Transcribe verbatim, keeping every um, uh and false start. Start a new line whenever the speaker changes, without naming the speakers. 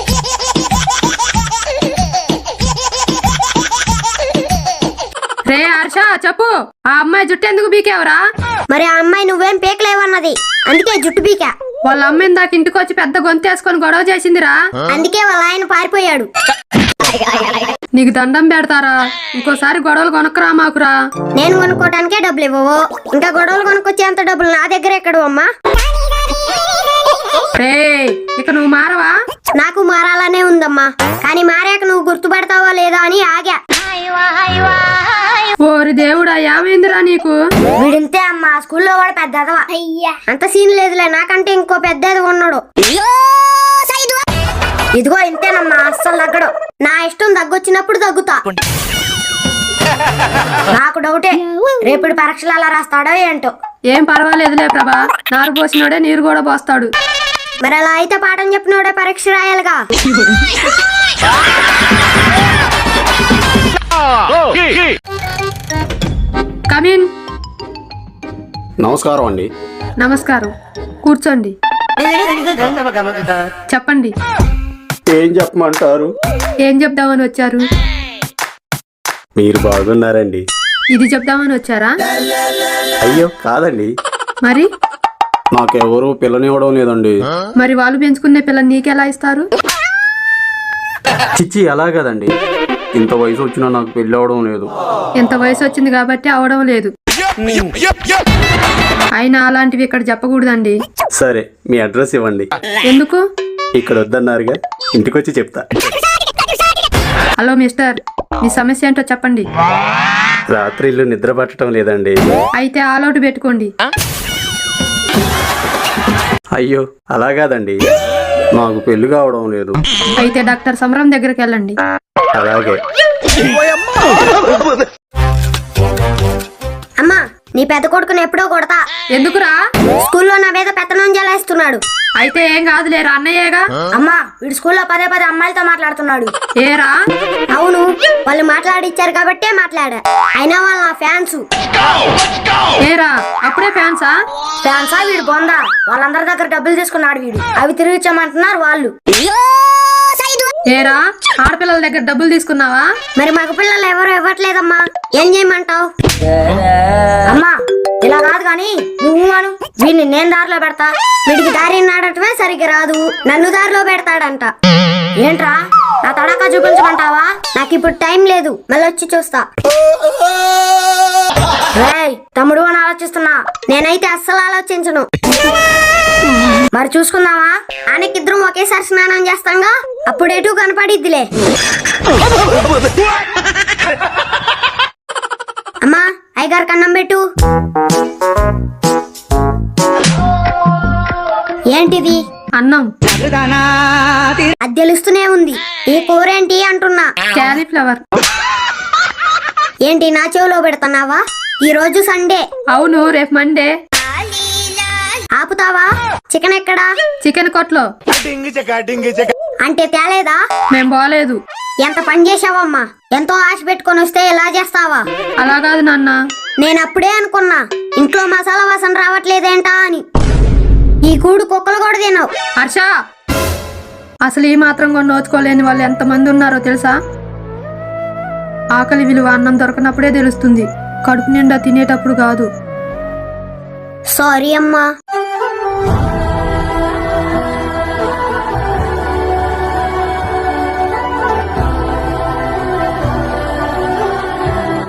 రే హర్ష చెప్పు, ఆ అమ్మాయి జుట్టు ఎందుకు బీకేవరా?
మరి ఆ అమ్మాయి నువ్వేం పీకలేవన్నది, అందుకే జుట్టు బీకా.
వాళ్ళ అమ్మ ఇందాక ఇంటికి వచ్చి పెద్ద గొంతేసుకొని గొడవ చేసిందిరా,
అందుకే వాళ్ళ ఆయన పారిపోయాడు.
నీకు దండం పెడతారా, ఇంకోసారి గొడవలు కొనుక్కరా మాకురా.
నేను కొనుక్కోటానికే డబ్బులు ఇవ్వవు, ఇంకా గొడవలు కొనుక్కొచ్చేంత డబ్బులు నా దగ్గర ఎక్కడు అమ్మా.
రే ఇక నువ్వు మారవా?
నాకు మారాలనే ఉందమ్మా, కానీ మారాక నువ్వు గుర్తుపడతావో లేదో అని ఆగా.
ఓరి దేవుడా, ఏమైందిరా నీకు?
వీడింతే అమ్మా, స్కూల్లో వాడు పెద్దదవా. అంత సీన్ లేదులే, నాకంటే ఇంకో పెద్దది ఉన్నాడు. ఇదిగో ఇంతేనమ్మా, అస్సలు తగ్గడు. నా ఇష్టం తగ్గొచ్చినప్పుడు తగ్గుతా. నాకు డౌటే, రేపటి పరీక్షలు అలా రాస్తాడో ఏంటో.
ఏం పర్వాలేదులే ప్రభా, నారు పోసినోడే నీరు కూడా పోస్తాడు.
మరి అలా అయితే పాఠం చెప్పినోడే పరీక్ష రాయాలిగా.
కమిన్.
నమస్కారం అండి.
నమస్కారం, కూర్చోండి. చెప్పండి.
ఏం చెప్పమంటారు?
ఏం చెప్దామని వచ్చారు?
మీరు బాగున్నారండి.
ఇది చెప్దామని వచ్చారా?
అయ్యో కాదండి.
మరి
నాకెవరు పిల్లనివ్వడం లేదండి.
మరి వాళ్ళు పెంచుకునే పిల్లని నీకెలా ఇస్తారు?
చిచ్చి అలా కదండి, ఇంత వయసు వచ్చినా నాకు పెళ్లి అవడం లేదు.
ఎంత వయసు వచ్చింది కాబట్టి అవడం లేదు. అయినా అలాంటివి ఇక్కడ చెప్పకూడదండి.
సరే మీ అడ్రస్ ఇవ్వండి.
ఎందుకు?
ఇక్కడ వద్దన్నారుగా, ఇంటికి వచ్చి చెప్తా.
హలో మిస్టర్, మీ సమస్య ఏంటో చెప్పండి.
రాత్రి ఇల్లు నిద్ర పట్టడం లేదండి.
అయితే ఆల్అౌట్ పెట్టుకోండి.
అయ్యో అలా కాదండి, నాకు పెళ్లి కావడం లేదు.
అయితే డాక్టర్ సమరం దగ్గరికి వెళ్ళండి.
అలాగే.
అమ్మా, నీ పెద్ద కొడుకుని ఎప్పుడో కొడతా.
ఎందుకురా?
స్కూల్లో నా మీద పెత్తనం జలేస్తున్నాడు.
అయితే ఏం కాదులేరా, అన్నయ్యేగా.
అమ్మా, వీడు స్కూల్లో పదే పదే అమ్మాయిలతో మాట్లాడుతున్నాడు.
ఏరా?
అవును, వాళ్ళు మాట్లాడిచ్చారు కాబట్టే మాట్లాడా. అయినా వాళ్ళు నా ఫ్యాన్స్.
ఏరా అప్పుడే ఫ్యాన్సా?
ఫ్యాన్సా వీడు బొందా. వాళ్ళందరి దగ్గర డబ్బులు తీసుకున్నాడు వీడు, అవి తిరిగిచ్చామంటున్నారు వాళ్ళు.
ఏరా, ఆడపిల్లల దగ్గర డబ్బులు తీసుకున్నావా?
మరి మగ పిల్లలు ఎవరు ఇవ్వట్లేదమ్మా, ఏం చేయమంటావు? అమ్మా ఇలా కాదు గాని నువ్వు అను, వీడిని నేను దారిలో పెడతా. వీడికి దారి నాడటమే సరిగ్గా రాదు, నన్ను దారిలో పెడతాడంట. ఏంట్రా, నా తడాకా చూపించమంటావా? నాకు ఇప్పుడు టైం లేదు, మళ్ళీ వచ్చి చూస్తా. రేయ్ తమ్ముడు అని ఆలోచిస్తున్నా, నేనైతే అస్సలు ఆలోచించను. మరి చూసుకుందావా? ఆయనకిద్దరం ఒకేసారి స్నానం చేస్తాంగా, అప్పుడు ఎటు కనపడిద్దిలే. అమ్మా, అయ్యగారు కన్నం పెట్టు. ఏంటిది?
అన్నం.
అది తెలుస్తూనే ఉంది. ఈ కూర ఏంటి అంటున్నా.
క్యాలీఫ్లవర్.
ఏంటి నా చెవిలో పెడుతున్నావా? ఈ రోజు సండే.
అవును, రేపు మండే.
ఆపుతావా? చికెన్ ఎక్కడా?
చికెన్ కొట్లో.
అంటే తేలేదా?
మేం బాలేదు.
ఎంత పని చేసావమ్మా, ఎంతో ఆశ పెట్టుకొని వస్తే ఇలా చేస్తావా?
అలా కాదు నాన్న,
నేను అప్పుడే అనుకున్నా ఇంట్లో మసాలా వాసన రావట్లేదేంటా అని. ఈ కూడు కుక్కలు కూడా తినవు.
హర్ష, అసలు ఈ మాత్రం కూడా నోచుకోలేని వాళ్ళు ఎంతమంది ఉన్నారో తెలుసా? ఆకలి విలువ అన్నం దొరకనప్పుడే తెలుస్తుంది, కడుపు నిండా తినేటప్పుడు కాదు.
సారీ అమ్మా.